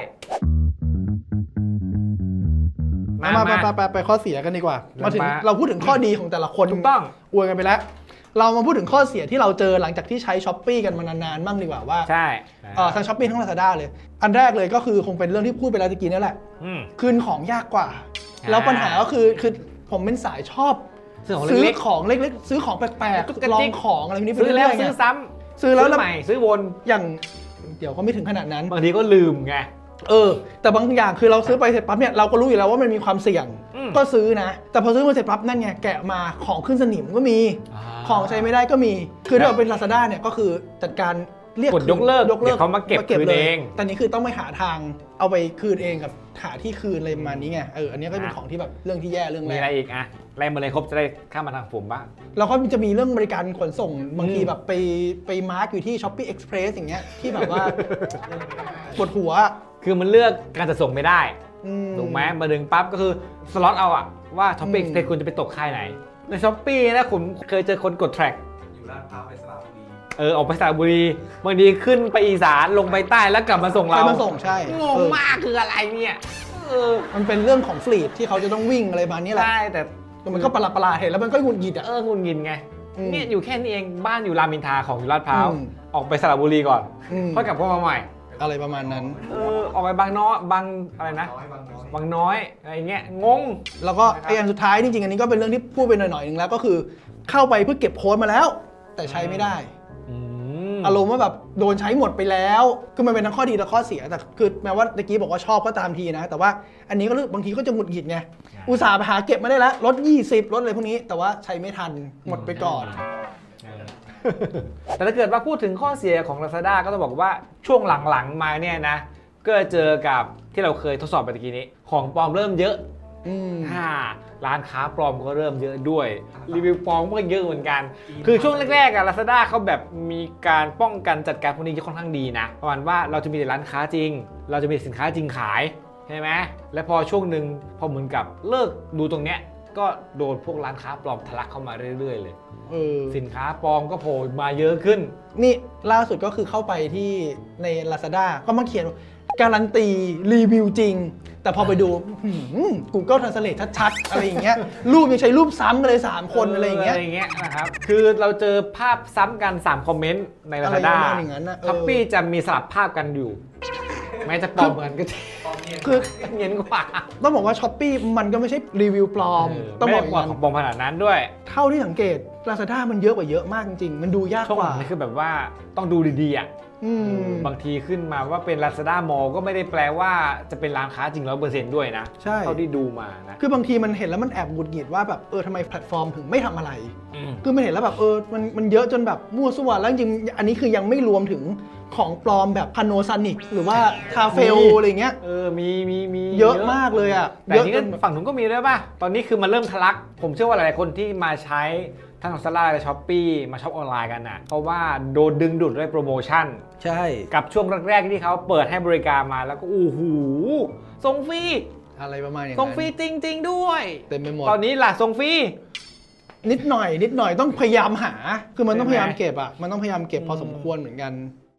Speaker 1: ไปข้อเสียกันดีกว่า มาถึง
Speaker 4: มา
Speaker 1: เราพูดถึงข้อดีของแต่ละคน
Speaker 4: ถูกต้อง
Speaker 1: อวยกันไปแล้ว เรามาพูดถึงข้อเสียที่เราเจอหลังจากที่ใช้ช้อปปี้กันมานานๆบ้างดีกว่าว่า
Speaker 4: ใช่
Speaker 1: ทั้งช้อปปี้ทั้ง Lazada เลย อันแรกเลยก็คือคงเป็นเรื่องที่พูดไปแล้วตะกี้นี่แหละ
Speaker 4: อืม
Speaker 1: คืนของยากกว่า
Speaker 4: อ่า
Speaker 1: แล้วปัญหาก็คือผมเป็นสายชอบ
Speaker 4: ซื้อของเล็ก
Speaker 1: ของเล็กๆซื้อของแปลก
Speaker 4: จุกกระ
Speaker 1: ๆลอ
Speaker 4: จิ
Speaker 1: ง
Speaker 4: ก
Speaker 1: ของอะไรพวกนี้
Speaker 4: ๆ
Speaker 1: ไป
Speaker 4: ซื้อแล้ว
Speaker 1: เรื่อยๆไง
Speaker 4: ซื้อซ้
Speaker 1: ซื้อ
Speaker 4: ำ
Speaker 1: แล้ว
Speaker 4: ใหม่ซื้อวน
Speaker 1: อย่างเดี๋ยวก็ไม่ถึงขนาดนั้น
Speaker 4: บางทีก็ลืมไง
Speaker 1: แต่บางอย่างคือเราซื้อไปเสร็จปั๊บเนี่ยเราก็รู้อยู่แล้วว่ามันมีความเสี่ยง
Speaker 4: อืม
Speaker 1: ก็ซื้อนะ แต่พอซื้อมาเสร็จปั๊บนั่นไงแกะมาของขึ้นสนิมก็มี ของใช้ไม่ได้ก็มี คือถ้าเราเป็น Lazada เนี่ยก็คือจัดการเรียก
Speaker 4: กดยกเลิกเดี๋ยวเขามาเก็บคืน
Speaker 1: เลย
Speaker 4: เอง
Speaker 1: แต่นี้คือต้องไปหาทางเอาไปคืนเองกับหาที่คืนอะไรประมาณนี้ไงอันนี้ก็เป็นของที่แบบเรื่องที่แย่เรื่องแร
Speaker 4: มีอะไร
Speaker 1: ก
Speaker 4: อีกอะไล่มาเลยครบจะได้ข้ามมาทางผมบ้าง
Speaker 1: แล้วก็จะมีเรื่องบริการขนส่งบางทีแบบไปมาร์กอยู่ที่ Shopee Express อย่างเงี้ยที่แบบว่า ปวดหัว
Speaker 4: คือมันเลือกการจะส่งไม่ได้
Speaker 1: อื
Speaker 4: ถูกไหมมาดึงปั๊บก็คือสล็อตเอาอะว่าท็อปปิ้งเทคุณจะไปตกค่ายไหน ในช้อปปี้นะผมเคยเจอคนกดแทร็ก
Speaker 2: อยู่ลาดพร้าวไปสระบุรี
Speaker 4: ออกไปสระบุรีบางทีขึ้นไปอีสานลงไปใต้แล้วกลับมาส่ง
Speaker 1: ใคร
Speaker 4: เรา
Speaker 1: มาส่งใช่
Speaker 4: งงมากคืออะไรเนี่ย
Speaker 1: มันเป็นเรื่องของฟลีดที่เขาจะต้องวิ่งอะไรประมาณนี้แหละ
Speaker 4: ใช่แต่
Speaker 1: แต่มันก็ประหลาดๆเห็นแล้วมันก็หงุดหงิดอ่ะ
Speaker 4: งุนงินไง
Speaker 1: อืม
Speaker 4: เนี่ยอยู่แค่นี้เองบ้านอยู่รามอินทราของอยู่ลาดพร้าว
Speaker 1: อืม
Speaker 4: ออกไปสระบุรีก่อน
Speaker 1: อืม
Speaker 4: ค่อยกลับเข้ามาใหม่
Speaker 1: อะไรประมาณนั้น
Speaker 4: ออกไปบางน้อยบางอะไรนะ
Speaker 2: น้อยบางน้อย
Speaker 4: บางน้อยอะไรเงี้ยงง
Speaker 1: แล้วก็ไอ้อันสุดท้ายจริงๆอันนี้ก็เป็นเรื่องที่พูดไปหน่อยๆนึงแล้วก็คือเข้าไปเพื่อเก็บโค้ดมาแล้ว แต่ใช้ไม่ได้ อารมณ์ว่าแบบโดนใช้หมดไปแล้วคือมันเป็นทั้งข้อดีและข้อเสียแต่คือแม้ว่าตะกี้บอกว่าชอบก็ตามทีนะ แต่ว่าอันนี้ก็รู้บางทีก็จะหงุดหงิดไงอุตส่าห์ไปหาเก็บมาได้แล้วลด20ลดอะไรพวกนี้แต่ว่าใช้ไม่ทันหมดไปก่อน
Speaker 4: แต่ถ้าเกิดว่าพูดถึงข้อเสียของ Lazada ก็ต้องบอกว่าช่วงหลังๆมาเนี่ยนะก็เจอกับที่เราเคยทดสอบไปตะกี้นี้ ของปลอมเริ่มเยอะ
Speaker 1: อืม
Speaker 4: ร้านค้าปลอมก็เริ่มเยอะด้วยรีวิวปลอมก็เยอะเหมือนกัน คือช่วงแรกๆอะ Lazada เขาแบบมีการป้องกันจัดการพวกนี้ค่อนข้างดีนะประมาณว่าเราจะมีแต่ร้านค้าจริง เราจะมีสินค้าจริงขายใช่ไหมและพอช่วงหนึ่งพอเหมือนกับเลิกดูตรงเนี้ยก็โดนพวกร้านค้าปลอมทะลักเข้ามาเรื่อยๆเลย สินค้าปลอมก็โผล่มาเยอะขึ้น
Speaker 1: นี่ล่าสุดก็คือเข้าไปที่ใน Lazada ก็มาเขียนการันตีรีวิวจริง แต่พอไปดูGoogle Translate ชัดๆ อะไรอย่างเงี้ยรูปยังใช้รูปซ้ำกันเลย 3 คนอะไรอย่างเงี้ย
Speaker 4: นะครับคือเราเจอภาพซ้ำกัน 3 คอมเมนต์ใน
Speaker 1: อะไร
Speaker 4: Lazada
Speaker 1: ประมาณอย่างนั้นนะ
Speaker 4: ช้อปปี้จะมีสลับภาพกันอยู่ แม้จะปลอมเหมือนก็จะ
Speaker 1: คือ
Speaker 4: เงียนกว่า
Speaker 1: ต้องบอกว่า Shopee มันก็ไม่ใช่รีวิวปลอม ต้องบอก
Speaker 4: ไม่
Speaker 1: อย่า
Speaker 4: ได้
Speaker 1: งนั้น
Speaker 4: ปลอมขนาดนั้นด้วย
Speaker 1: เท่าที่สังเกต Lazada มันเยอะกว่าเยอะมากจริงๆ มันดูยาก
Speaker 4: ช่วง
Speaker 1: ก
Speaker 4: หลั
Speaker 1: ว่า
Speaker 4: งนี่คือแบบว่าต้องดูดีๆอ่ะ
Speaker 1: อืม
Speaker 4: บางทีขึ้นมาว่าเป็น Lazada Mall ก็ไม่ได้แปลว่าจะเป็นร้านค้าจริง 100% ด้วยนะ
Speaker 1: ใช่
Speaker 4: เท่าที่ดูมานะ
Speaker 1: คือบางทีมันเห็นแล้วมันแอบหงุดหงิดว่าแบบทำไมแพลตฟอร์มถึงไม่ทำอะไร
Speaker 4: อืม
Speaker 1: คือมันเห็นแล้วแบบมันเยอะจนแบบมั่วซั่วแล้วจริงๆอันนี้คือยังไม่รวมถึงของปลอมแบบ Panasonic หรือว่า ทาเฟลอะไรเงี้ย
Speaker 4: มี
Speaker 1: เยอะมากเลยอ่ะ
Speaker 4: แต่
Speaker 1: เยอะ
Speaker 4: นี่
Speaker 1: จ
Speaker 4: ก็
Speaker 1: น
Speaker 4: ฝั่งนู้นก็มีด้วยป่ะ ตอนนี้คือมันเริ่มทะลัก ผมเชื่อว่าหลายๆคนที่มาใช้ทั้ง Lazada และ Shopee มาช็อปออนไลน์กันน่ะ เพราะว่าโดนดึงดูดด้วยโปรโมชั่น
Speaker 1: ใช่
Speaker 4: กับช่วงแรกๆที่เขาเปิดให้บริการมาแล้วก็โอ้โหส่งฟรี
Speaker 1: อะไรประมาณอย่าง
Speaker 4: ส่ง
Speaker 1: นั้น
Speaker 4: ฟรีจริง ๆ ด้วย
Speaker 1: เต็มไปหมด
Speaker 4: ตอนนี้ล่ะส่งฟรี
Speaker 1: นิดหน่อยต้องพยายามหา คือมันต้อง
Speaker 4: ใช่
Speaker 1: พ
Speaker 4: ไหม
Speaker 1: ยายามเก็บอ่ะมันต้องพยายามเก็บพอสมควรเหมือนกัน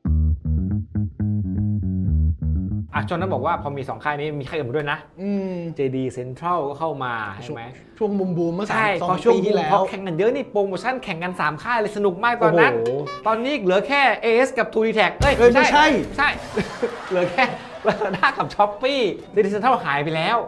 Speaker 4: จนนั้นบอกว่าพอมี 2 ค่ายนี้มีค่ายอื่นมาด้วยนะ
Speaker 1: อืม
Speaker 4: JD Central ก็เข้ามาใช่ไหม
Speaker 1: ช่วงบูมเมื่อ
Speaker 4: ใช่
Speaker 1: สอง
Speaker 4: พอช่วง
Speaker 1: ปีที่แล้ว
Speaker 4: พอแข่งกันเยอะนี่โปรโมชั่นแข่งกัน 3 ค่ายเลยสนุกมากตอนนั้น
Speaker 1: โอ้โห
Speaker 4: ตอนนี้เหลือแค่ AS กับ 2D Tag
Speaker 1: เอ้ยไม่ใช่
Speaker 4: ใช่ เหลือแค่ Lazada กับ Shopee JD Central หายไปแล้ว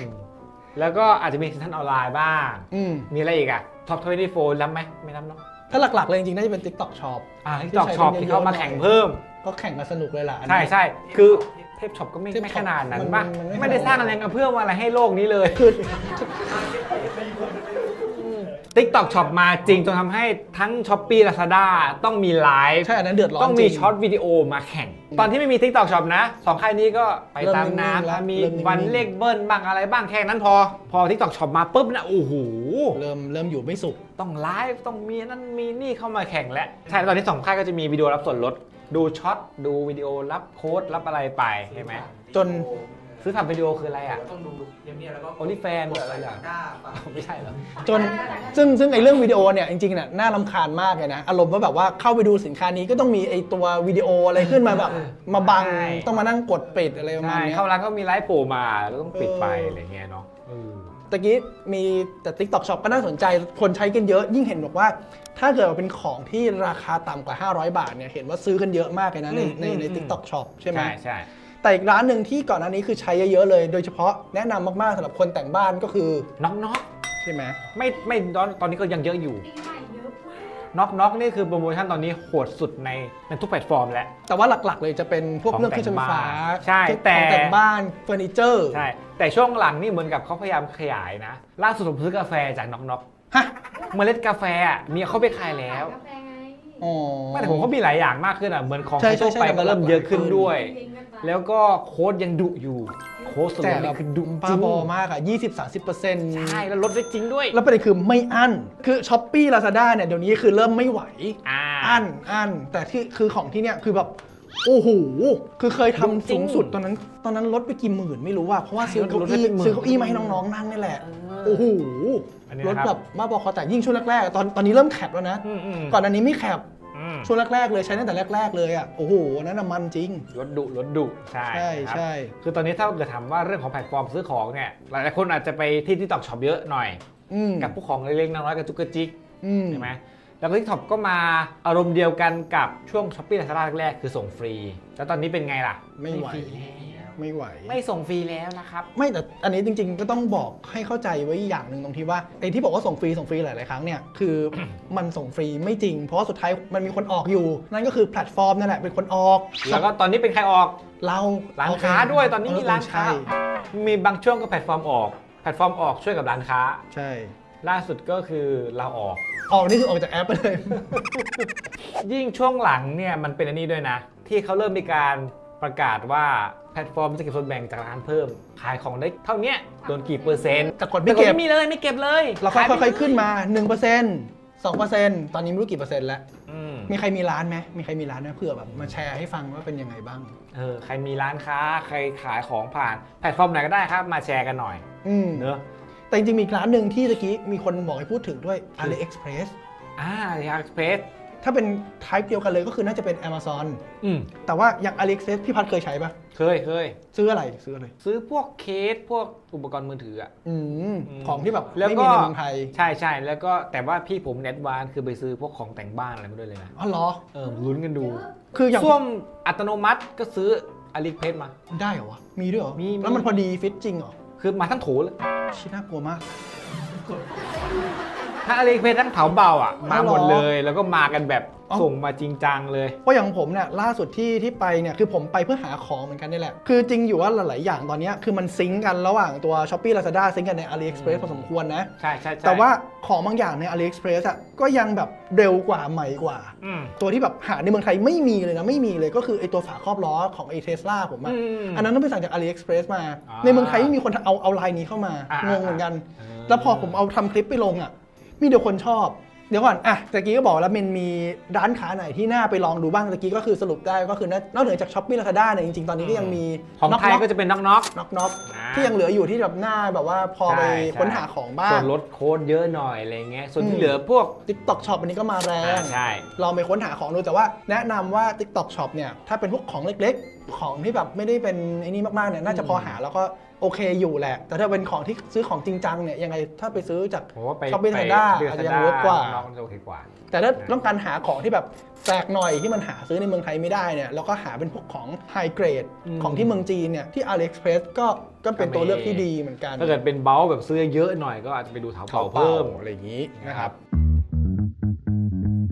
Speaker 4: แล้วก็อาจจะมีเซ็นทรัลออนไลน์บ้าง
Speaker 1: อืม
Speaker 4: มีอะไรอีกอ่ะ Top 24รับไหมไม่รับเนาะ
Speaker 1: ถ้าหลักๆเลยจริงๆน่าจะเป็น TikTok Shop
Speaker 4: ที่TikTok Shop ที่เข้ามาแข่งเพิ่ม
Speaker 1: ก็แข่งกันสนุกเลยล่ะอัน
Speaker 4: ใช่
Speaker 1: นี้
Speaker 4: ใช่คือเทพช็อปก็ไม่
Speaker 1: เทพช็อป
Speaker 4: ขนาดนั้น
Speaker 1: มัน
Speaker 4: ป่ะ
Speaker 1: มันไม่
Speaker 4: ไม่ได้สร้างแรงกระเพื่อมอะไรให้โลกนี้เลย
Speaker 1: คือ
Speaker 4: TikTok Shop มาจริงจนทำให้ทั้ง Shopee Lazada ต้องมีไลฟ์
Speaker 1: ใช่อันนั้นเดือดร้อน
Speaker 4: ต้องมี
Speaker 1: จริง
Speaker 4: ช็อตวิดีโอมาแข่ง ตอนที่ไม่มี TikTok Shop นะสองค่ายนี้ก็ไปตาม
Speaker 1: เริ่มนิ่งๆแล้ว
Speaker 4: น้ำมี
Speaker 1: เริ่มนิ่งๆ
Speaker 4: วันเลขเบิ้ลบ้างอะไรบ้างแค่นั้นพอ TikTok Shop มาปุ๊บนะโอ้โห
Speaker 1: เริ่มอยู่ไม่สุข
Speaker 4: ต้องไลฟ์ต้องมีนั่นมีนี่เข้ามาแข่งแล้วใช่ตอนนี้สองค่ายก็จะมีวิดีโอรับส่วนลดดูช็อตดูวิดีโอรับโค้ดรับอะไรไปใช่ไหม
Speaker 1: จน
Speaker 4: ซื้อผ่านวิดีโอคืออะไรอ่ะ
Speaker 2: ต้องดูเงียบๆแล้วก็
Speaker 4: OnlyFans
Speaker 2: กด
Speaker 4: อะไร
Speaker 2: ใส่
Speaker 4: อ่ะ
Speaker 2: ตะกร้าเปล่า
Speaker 4: ไม่ใช่เหรอ
Speaker 1: จนซึ่งไอ้เรื่องวิดีโอเนี่ยจริงๆเนี่ยน่ารำคาญมากเลยนะ อารมณ์ว่าแบบว่าเข้าไปดูสินค้านี้ก็ต้องมีไอ้ตัววิดีโออะไรขึ้นมาแบบมาบัง
Speaker 4: ใช่
Speaker 1: ต้องมานั่งกดปิดอะไรประมาณ
Speaker 4: ใช่
Speaker 1: เนี้ย
Speaker 4: เข้าร้านก็มีไลฟ์โผล่มาแล้วต้องปิดไปอะไรเงี้ยเนาะ
Speaker 1: ตะกี้มีแต่ TikTok Shop ก็น่าสนใจคนใช้กันเยอะ ยิ่งเห็นบอกว่า ถ้าเกิดว่าเป็นของที่ราคาต่ำกว่า 500 บาทเนี่ยเห็นว่าซื้อกันเยอะมากเลยนะใน TikTok Shop ใช่ไหม
Speaker 4: ใช่
Speaker 1: แต่อีกร้านหนึ่งที่ก่อนหน้านี้คือใช้เยอะๆเลย โดยเฉพาะแนะนำมากๆสำหรับคนแต่งบ้านก็คือ
Speaker 4: น็อก
Speaker 1: ใช่ไหม
Speaker 4: ไม่ตอนนี้ก็ยังเยอะอยู่
Speaker 5: ปีใหม่เยอะมาก
Speaker 4: น็อกนี่คือโปรโมชั่นตอนนี้โหดสุดในทุกแพลตฟอร์มแล้ว
Speaker 1: แต่ว่าหลักๆเลยจะเป็นพวก
Speaker 4: ของ
Speaker 1: เรื่องเครื่องใช้ไฟฟ้า
Speaker 4: ใช่
Speaker 1: ของ
Speaker 4: แต่
Speaker 1: แต่งบ้านเฟอร์นิเจอร์
Speaker 4: ใช่แต่ช่วงหลังนี่เหมือนกับเขาพยายามขยายนะล่าสุดผมซื้อกาแฟจากน็อก
Speaker 1: ฮะ
Speaker 4: เมล็ดกาแฟอ่ะมีเขาไปขายแล้ว
Speaker 5: กาแฟไง
Speaker 1: อ๋อ
Speaker 4: ไม่แต่ผมก็มีหลายอย่างมากขึ้นอ่ะเหมือนของ
Speaker 1: ใช่
Speaker 4: ทั่ว
Speaker 1: ใช่
Speaker 4: ไป
Speaker 1: ใช่
Speaker 4: ก็เริ่มเยอะขึ้นด้วย
Speaker 5: ลิงก์กันไป
Speaker 4: แล้วก็โค้ดยังดุอยู่โค้ดส่วน
Speaker 1: แต่
Speaker 4: ลด
Speaker 1: แบ
Speaker 4: นี่
Speaker 1: บ
Speaker 4: คือดุ
Speaker 1: บ้า
Speaker 4: จริง
Speaker 1: บอมากอ่ะ 20-30%
Speaker 4: ใช่แล้วลดได้จริงด้วย
Speaker 1: แล้วประเด็นคือไม่อั้น คือ Shopee Lazada เนี่ยเดี๋ยวนี้คือเริ่มไม่ไหว อั้น แต่ที่คือของที่เนี่ยคือแบบ โอ้โห คือเคยทำสูงสุดตอนนั้นลดไปกี่หมื่นไม่รู้ว่าเพราะว่าซื้อเก้าอี้มาให้น้องๆนั่งนี่แหละ โอ้โห
Speaker 4: อันนี้
Speaker 1: ล
Speaker 4: นะ
Speaker 1: ด
Speaker 4: ครับ
Speaker 1: แบบบ้าบอคอแต่ยิ่งช่วงแรกๆตอนนี้เริ่มแคปแล้วนะ
Speaker 4: อืม
Speaker 1: ก่อนอันนี้ไม่แคป
Speaker 4: อืม
Speaker 1: ช่วงแรกๆเลยใช้ตั้งแต่แรกๆเลยอ่ะ โอ้โหนั่นน่ะมันจริง
Speaker 4: ลดดุใช่
Speaker 1: ใช่
Speaker 4: ครับ
Speaker 1: ใช่
Speaker 4: คือตอนนี้ถ้าเกิดถามว่าเรื่องของแพลตฟอร์มซื้อของเนี่ยหลายๆคนอาจจะไปที่ TikTok Shop เยอะหน่อย
Speaker 1: อืม
Speaker 4: กับพวกของเล็กๆน้อยๆกับจุกกระจิก
Speaker 1: อืม
Speaker 4: ใช่ไหมแล้วก็ TikTok ก็มาอารมณ์เดียวกันกับช่วง Shopee Lazada แรกๆคือส่งฟรี แล้วตอนนี้เป็นไงล่ะ
Speaker 1: ไม่ไหว
Speaker 4: ฟรีแล้ว
Speaker 1: ไม่ไหว
Speaker 4: ไม่ส่งฟรีแล้วนะครับ
Speaker 1: ไม่แต่อันนี้จริงๆก็ต้องบอกให้เข้าใจไว้อย่างหนึ่งตรงที่ว่าไอ้ที่บอกว่าส่งฟรีหลายๆครั้งเนี่ยคือ มันส่งฟรีไม่จริง เพราะว่าสุดท้ายมันมีคนออกอยู่ นั่นก็คือแพลตฟอร์มนั่นแหละเป็นคนออก
Speaker 4: แล้วก็ตอนนี้เป็นใครออก
Speaker 1: เรา
Speaker 4: ร้านค้าด้วยตอนนี้มีร้านค้า
Speaker 1: ใช่
Speaker 4: มีบางช่วงก็แพลตฟอร์มออกช่วยกับร้านค้า
Speaker 1: ใช่
Speaker 4: ล่าสุดก็คือเราออก
Speaker 1: ออกนี่คือออกจากแอปไปเลย
Speaker 4: ยิ่งช่วงหลังเนี่ยมันเป็นอันนี้ด้วยนะ ที่เขาเริ่มมีการประกาศว่าแพลตฟอร์มจะเก็บส่วนแบ่งจากร้านเพิ่ม ขายของได้เท่าเนี้ยโดนกี่เปอร์เซ็นต์
Speaker 1: แต่กดไม่เก็บ
Speaker 4: ไม่มีเลยไม่เก็บเลย
Speaker 1: เราค่อยๆขึ้นมา 1% 2% ตอนนี้ไม่รู้กี่เปอร์เซ็นต์แล้ว
Speaker 4: อืม
Speaker 1: มีใครมีร้านไหมมีใครมีร้านไหมเผื่อแบบมาแชร์ให้ฟังว่าเป็นยังไงบ้าง
Speaker 4: ใครมีร้านค้าใครขายของผ่านแพลตฟอร์มไหนก็ได้ครับมาแชร์กันหน่อย
Speaker 1: อืม
Speaker 4: เนอะ
Speaker 1: แต่จริงๆมีอีกร้านหนึ่งที่ตะกี้มีคนบอกให้พูดถึงด้วย AliExpress
Speaker 4: ยาร์เพส
Speaker 1: ถ้าเป็น type เดียวกันเลยก็คือน่าจะเป็น Amazon แต่ว่าอย่าง AliExpress พี่พัดเคยใช้ปะ
Speaker 4: เคย
Speaker 1: ซื้ออะไร
Speaker 4: ซื้อพวกเคสพวกอุปกรณ์มือถืออ่ะ
Speaker 1: ของที่แบบ
Speaker 4: แล้ว
Speaker 1: ไม่
Speaker 4: ก็
Speaker 1: มีในเมืองไทย
Speaker 4: ใช่แล้วก็แต่ว่าพี่ผมเน็ตวานคือไปซื้อพวกของแต่งบ้านอะไรมาด้วยเลยนะ
Speaker 1: อ๋อเหรอ
Speaker 4: ลุ้นกันดู
Speaker 1: คืออย่าง
Speaker 4: ส้วมอัตโนมัติก็ซื้ออาลีเพสมา
Speaker 1: ได้เหรอวะ มีด้วยเหรอ
Speaker 4: มี
Speaker 1: แล้วมันพอดีฟิตจริงเหรอ
Speaker 4: คือมาทั้งโถเลย
Speaker 1: ชิน่ากลัวมาก
Speaker 4: ถ้าอาลีเพสทั้งเถาเบาอ่ะมาหมด
Speaker 1: อ๋อเหรอ
Speaker 4: เลยแล้วก็มากันแบบ
Speaker 1: อ๋อ
Speaker 4: ส่งมาจริงจังเลย
Speaker 1: เพราะอย่างผมเนี่ยล่าสุดที่ไปเนี่ยคือผมไปเพื่อหาของเหมือนกันนี่แหละ คือจริงอยู่ว่าหลายๆอย่างตอนเนี้ยคือมันซิงก์กันระหว่างตัว Shopee Lazada ซิงก์กันใน AliExpress พอสมควรนะ
Speaker 4: ใช่
Speaker 1: แต่ว่าของบางอย่างใน AliExpress อ่ะก็ยังแบบเร็วกว่าใหม่กว่า
Speaker 4: อืม
Speaker 1: ตัวที่แบบหาในเมืองไทยไม่มีเลยนะไม่มีเลยก็คือไอตัวฝาครอบล้อของไอเทสลาผมอะ อันนั้นต้องไปสั่งจาก AliExpress มา
Speaker 4: อ่า
Speaker 1: ในเมืองไทยไม่มีคนเอาลายนี้เข้ามา
Speaker 4: อ่าง
Speaker 1: งเหมือนกัน
Speaker 4: อ่า
Speaker 1: แล้วพอผมเอาทำคลิปไปลงอ่ะ มีเดี๋ยวคนชอบ เดี๋ยวก่อนอ่ะตะกี้ก็บอกแล้วมันมีร้านค้าไหนที่น่าไปลองดูบ้างตะกี้ก็คือสรุปได้ก็คือนอกเหนือจาก Shopee Lazada เนี่ยจริงๆ ตอนนี้ก็ยังมี
Speaker 4: ของไทยก็จะเป็นน็อก
Speaker 1: น็อก
Speaker 4: อ่า
Speaker 1: ที่ยังเหลืออยู่ที่แบบหน้าแบบว่าพอไป
Speaker 4: ใช่
Speaker 1: ค้นหาของบ้า
Speaker 4: ส่
Speaker 1: ง
Speaker 4: วนลดโค้ดเยอะหน่อยอะไรเงี้ยส่วน
Speaker 1: อื
Speaker 4: ที่
Speaker 1: ม
Speaker 4: เหลือพวก
Speaker 1: TikTok Shop อันนี้ก็มาแรง
Speaker 4: ใช่
Speaker 1: ลองไปค้นหาของดูแต่ว่าแนะนำว่า TikTok Shop เนี่ยถ้าเป็นพวกของเล็กๆ ของที่แบบไม่ได้เป็นไอ้นี่มากๆเนี่ยน่าจะพอหาแล้วก็โอเคอยู่แหละ แต่ถ้าเป็นของที่ซื้อของจริงจังเนี่ยยังไงถ้าไปซื้อจาก
Speaker 4: ผมว่าไป
Speaker 1: Shopee Lazada อาจจะยังเวิร์กกว่า
Speaker 4: น้องจะโอเคกว่า
Speaker 1: แต่ถ้าต้องการหาของที่แบบแปลกหน่อยที่มันหาซื้อในเมืองไทยไม่ได้เนี่ยแล้วก็หาเป็นพวกของไฮเกรด
Speaker 4: อืม
Speaker 1: ของที่เมืองจีนเนี่ยที่ AliExpress ก็เป็นตัวเลือกที่ดีเหมือนกัน
Speaker 4: ถ้าเกิดเป็นเบลแบบซื้อเยอะหน่อยก็อาจจะไปดูเถาเป่าเพิ่ม
Speaker 1: อะไรอย่างนี้นะครับ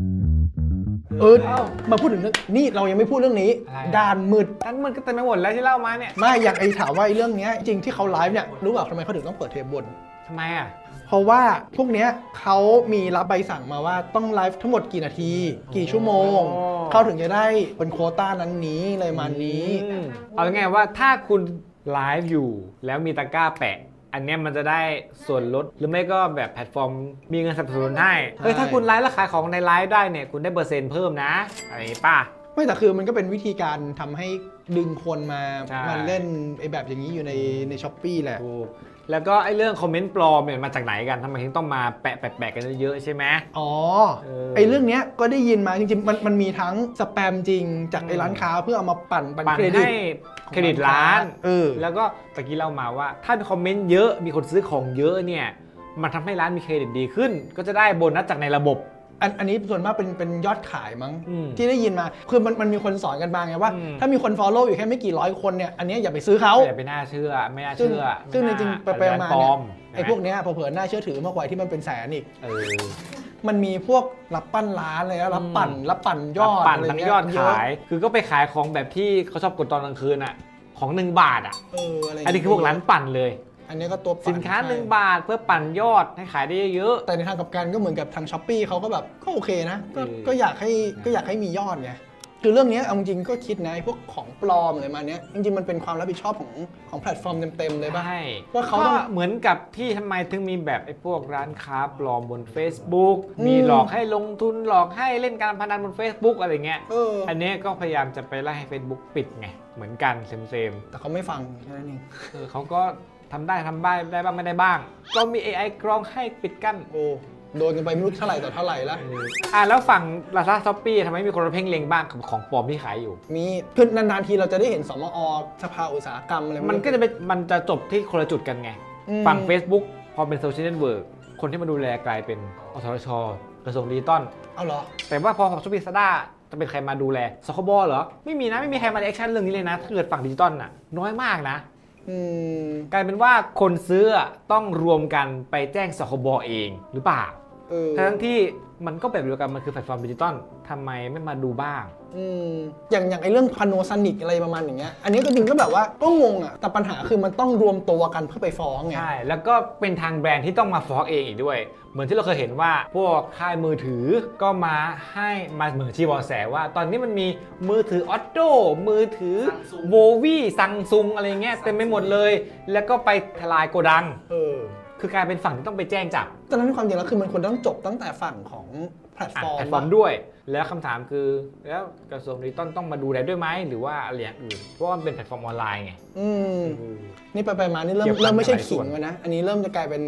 Speaker 1: มาพูดถึงเรื่องนี่เรายังไม่พูดเรื่องนี้
Speaker 4: อะไร
Speaker 1: ด่านมืด
Speaker 4: นั้นมันก็เต็มไปหมดแล้วที่เล่ามาเนี่ย
Speaker 1: ไม่อย่างไอ้ถามว่าไอ้เรื่องเนี้ยจริงที่เขาไลฟ์เนี่ยรู้เปล่าทำไมเขาถึงต้องเปิดเทปบน
Speaker 4: ทำไมอ่ะ
Speaker 1: เพราะว่าพวกเนี้ยเขามีรับใบสั่งมาว่าต้องไลฟ์ทั้งหมดกี่นาที กี่ชั่วโมง
Speaker 4: อ๋อ
Speaker 1: เขาถึงจะได้เป็นโควต้านั้นนี้เลยมันนี้
Speaker 4: เอาง่ายๆว่าถ้าคุณไลฟ์อยู่แล้วมีตะกร้าแปะ อันเนี้ยมันจะได้ส่วนลดหรือไม่ก็แบบแพลตฟอร์มมีเงินสนับสนุนให้เฮ้ยถ้าคุณไลฟ์แล้วขายของในไลฟ์ได้เนี่ยคุณได้เปอร์เซ็นต์เพิ่มนะอะไรอย่างงี้ป่ะ
Speaker 1: ไม่แต่คือมันก็เป็นวิธีการทำให้ดึงคนมา
Speaker 4: ใช่
Speaker 1: มาเล่นไอ้แบบอย่างนี้อยู่ในช้อปปี้แหละ
Speaker 4: ถูกแล้วก็ไอ้เรื่องคอมเมนต์ปลอมเนี่ยมาจากไหนกันทำไมถึงต้องมาแปะกันเยอะๆใช่ไหม
Speaker 1: อ๋อ
Speaker 4: เออ
Speaker 1: ไอ้เรื่องเนี้ยก็ได้ยินมาจริงๆมันมีทั้งสแปมจริงจากไอ้ร้านค้าเพื่อเอามาปั่น
Speaker 4: ปั่น
Speaker 1: เครดิต
Speaker 4: ให้เครดิตร้าน
Speaker 1: เออ
Speaker 4: แล้วก็ตะกี้เล่ามาว่าถ้าคอมเมนต์เยอะมีคนซื้อของเยอะเนี่ยมันทำให้ร้านมีเครดิตดีขึ้น ก็จะได้โบนัสจากในระบบ
Speaker 1: อันนี้ส่วนมากเป็นยอดขายมั้ง
Speaker 4: อืม
Speaker 1: ที่ได้ยินมาคือมันมีคนสอนกันบางไงว่า
Speaker 4: อืม
Speaker 1: ถ้ามีคน follow อยู่แค่ไม่กี่ร้อยคนเนี่ยอันเนี้ยอย่าไปซื้อเขา
Speaker 4: อย่าไปน่าเชื่อไม่น่า
Speaker 1: ซึ่ง
Speaker 4: เชื่อ
Speaker 1: ซึ่งจริงๆไปๆมา
Speaker 4: ปล
Speaker 1: เนี่
Speaker 4: อย ม
Speaker 1: ไอ้พวกเนี้ยเผลอๆน่าเชื่อถือมากกว่าที่มันเป็นแสนอีก
Speaker 4: เออ
Speaker 1: มันมีพวกรับปั้นร้านอะไรนะรับปั่นยอด
Speaker 4: ปั่น
Speaker 1: อะไร
Speaker 4: ทั้ง
Speaker 1: เงี้
Speaker 4: ยอด
Speaker 1: เะ
Speaker 4: ขาย คือก็ไปขายของแบบที่เขาชอบกดตอนกลางคืนอ่ะของ1 บาทอ่ะ
Speaker 1: อะไร
Speaker 4: อันนี้คือพวกร้านปั่นเลย
Speaker 1: อันนี้ก็ตัวปั่
Speaker 4: สินค้า
Speaker 1: ใช่
Speaker 4: 1 บาทเพื่อปั่นยอดให้ขายได้เยอะ
Speaker 1: แต่ในทางกลับกันก็เหมือนกับทางช้อปปี้เขาก็แบบก็โอเคนะก็
Speaker 4: เออ
Speaker 1: ก็อยากให้มียอดไงคือเรื่องเนี้ยเอาจริงๆก็คิดนะไอ้พวกของปลอมอะไรมาเนี้ยจริงๆมันเป็นความรับผิดชอบของแพลตฟอร์มเต็มๆเลยป่ะ
Speaker 4: ใช่
Speaker 1: ว่าเขาต้อง
Speaker 4: ก็เหมือนกับที่ทำไมถึงมีแบบไอ้พวกร้านค้าปลอมบน Facebook
Speaker 1: อืม
Speaker 4: มีหลอกให้ลงทุนหลอกให้เล่นการพนันบน Facebook อะไรเงี้ย อันนี้ก็พยายามจะไปไล่ให้ Facebook ปิดไงเหมือนกันเซม
Speaker 1: แต่เขาไม่ฟังแค่นั้นเอง
Speaker 4: ๆเขาก็ทำได้ได้บ้างไม่ได้บ้าง ก็มี AI กรองให้ปิดกั้น
Speaker 1: โอ้โดนกันไปไม่รู้เท่าไหร่ต่อเท่าไหร่แล้ว
Speaker 4: แล้วฝั่ง Lazada Shopee ทำไมมีคนมาเพ่งเล็งบ้างกับของปลอมที่ขายอยู่
Speaker 1: มีคือนานๆทีเราจะได้เห็นสมอสภาอุตสาหกรรมอะไร
Speaker 4: มันก็จะเป็นมันจะจบที่คนละจุดกันไง
Speaker 1: อืม
Speaker 4: ฝั่ง Facebook พอเป็นโซเชียลเน็ตเวิร์กคนที่มาดูแลกลายเป็นอสทชกระทรวงดิจิตอล
Speaker 1: เอาเหรอ
Speaker 4: แต่ว่าพอของ Shopee Lazada จะเป็นใครมาดูแลสคบเหรอ ไม่มีนะ ไม่มีใครมาแอคชั่นเรื่องนี้เลยนะ ถ้าเกิดฝั่งดิจิตอลน่ะน้อยมากนะ
Speaker 1: อืม
Speaker 4: กลายเป็นว่าคนซื้อต้องรวมกันไปแจ้งสคบเองหรือเปล่า ทั้งที่มันก็แบบเดียวกันมันคือแพลตฟอร์มดิจิตอลทำไมไม่มาดูบ้าง
Speaker 1: อย่างไอ้เรื่องพาโนซานิกอะไรประมาณอย่างเงี้ยอันนี้ก็จริงก็แบบว่าก็งงอ่ะแต่ปัญหาคือมันต้องรวมตัวกันเพื่อไปฟ้องไง
Speaker 4: ใช่ แล้วก็เป็นทางแบรนด์ที่ต้องมาฟ้องเองอีกด้วย เหมือนที่เราเคยเห็นว่าพวกค่ายมือถือก็มาเหมือนชี้เบาะแสว่า ตอนนี้มันมีมือถือ Otto มือถือ
Speaker 2: Samsung
Speaker 4: โววี่ซังซุงอะไรเงี้ยเต็มไปหมดเลย แล้วก็ไปทลายโกดัง คือกลายเป็นฝั่งที่ต้องไปแจ้งจับ
Speaker 1: ตอนนั้นความจริงแล้วคือมันควรต้องจบตั้งแต่ฝั่งของแพลตฟอร์ม
Speaker 4: แพลตฟอร์มด้วย แล้วคำถามคือแล้วกระทรวงดิจิตอลต้องมาดูแลด้วยไหมหรือว่าอะไรอย่างอื่น เพราะว่ามันเป็นแพลตฟอร์มออนไลน์ไง
Speaker 1: นี่ไปมานี่เริ่
Speaker 4: เกี่ยวกับ
Speaker 1: มไม่ใช่
Speaker 4: หลายส่
Speaker 1: ขิ
Speaker 4: ว
Speaker 1: ง
Speaker 4: น
Speaker 1: แล้วนะ อันนี้เริ่มจะกลายเป็น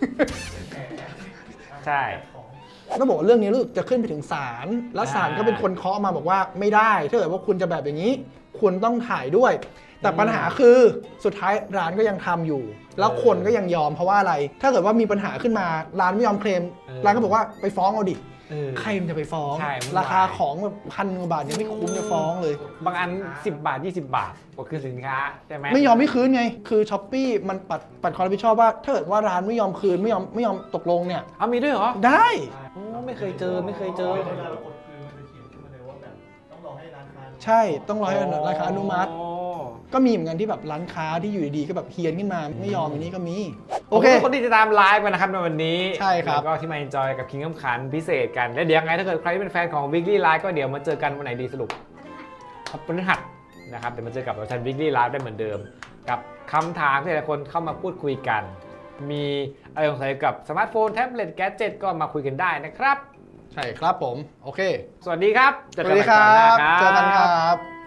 Speaker 4: ใช่
Speaker 1: ต้องบอกว่าเรื่องนี้รู้สึกจะขึ้นไปถึงศาลแล้วศาลก็เป็นคนเคาะมาบอกว่าไม่ได้ถ้าเกิดว่าคุณจะแบบอย่างนี้ คุณต้องถ่ายด้วย แต่ปัญหาคือสุดท้ายร้านก็ยังทำอยู่ แล้วคนก็ยังยอมเพราะว่าอะไร ถ้าเกิดว่ามีปัญหาขึ้นมาร้านไม่ยอมเคลมร้านก็บอกว่าไปฟ้องเอาดิใครมันจะไปฟ้อง
Speaker 4: ใช่
Speaker 1: ราคาของแบบ1,000 กว่าบาทยังไม่คุ้มจะฟ้องเลย
Speaker 4: บางอัน 10 บาท 20 บาทก็คือสินค้าใช่ไหม
Speaker 1: ไม่ยอมไม่คืนไง คือช้อปปี้มันปัดความรับผิดชอบว่าถ้าเกิดว่าร้านไม่ยอมคืนไม่ยอมตกลงเนี่ย
Speaker 4: เอามีด้วยเหรอ
Speaker 1: ได้
Speaker 4: โอ้ไม่เคยเจอไม่เคยเจอ
Speaker 3: เวลาเรากดคืนมันจะเขียนขึ้นมาเลยว่าแบบต้องรอให้ร้านค้า
Speaker 1: ใช่ต้องรอให้ร้านค้าอนุมัติ
Speaker 4: อ๋อ
Speaker 1: ก็มีเหมือนกันที่แบบร้านค้าที่อยู่ดีๆก็แบบเฮียนขึ้นมาไม่ยอมอันนี้ก็มี โอ
Speaker 4: โอ
Speaker 1: เค
Speaker 4: เคคนที่ติดตามไลฟ์กันนะครับในวันนี้
Speaker 1: ใช่ครับ
Speaker 4: แล้วก็ที่มา enjoy กับ King ขันพิเศษกัน และเดี๋ยวยังไงถ้าเกิดใครที่เป็นแฟนของ Weekly Live ก็เดี๋ยวมาเจอกันวันไหนดีสรุปครับพฤหัสนะครับเดี๋ยวมาเจอกับเราชัน Weekly Live ได้เหมือนเดิม กับคำถามที่หลายคนเข้ามาพูดคุยกัน มีอะไรสงสัยกับสมาร์ทโฟนแท็บเล็ตแกดเจ็ตก็มาคุยกันได้นะครับ
Speaker 1: ใช่ครับผม โอเค
Speaker 4: สวัสดีครับเจ
Speaker 1: ส
Speaker 4: อ
Speaker 1: วั
Speaker 4: กั
Speaker 1: ส
Speaker 4: น
Speaker 1: ดี
Speaker 4: ใหม่
Speaker 1: ค
Speaker 4: ค
Speaker 1: รั
Speaker 4: รั้งหน้า
Speaker 1: บ เจอกันครับ